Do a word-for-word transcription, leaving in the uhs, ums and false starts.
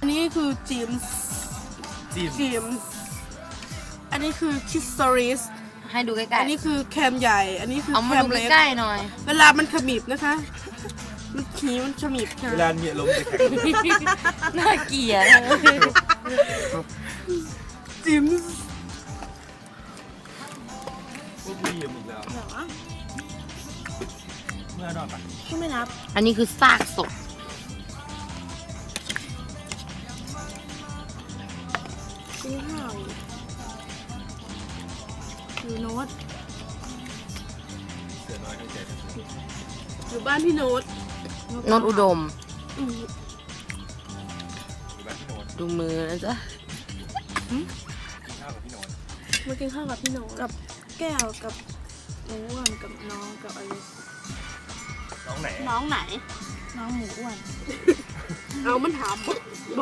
อันนี้คือจิมส์จิมจิมส์อันนี้คือคิสซอริสให้ดูใกล้อันนี้คือแคมใหญ่ อันนี้คือๆเอาแคมาม ดูเล็กใกล้ๆหน่อยเวลามันขมิบนะคะ มันขี้มันขมิบค่ะเวลาเนี่ยลมจะแข็งน่าเกลียดจิมส์พวกพี่อีกแล้วเมื่อนอนปะก็ไม่นับอันนี้คือซากศพกินข้าวอยู่โน้ตเสือน้อยทั้งใจทั้งตัวอยู่บ้านพี่โน้ตนนอุดมอืมอยู่บ้านพี่โนนดูมือนะจ๊ะข้าวกับพี่โนนมากินข้าวกับพี่โน้ตกับแก้วกับหมูอ้วนกับน้องกับอะไรน้องไหนน้องไหนน้องหมูอ้วนเอามันถาม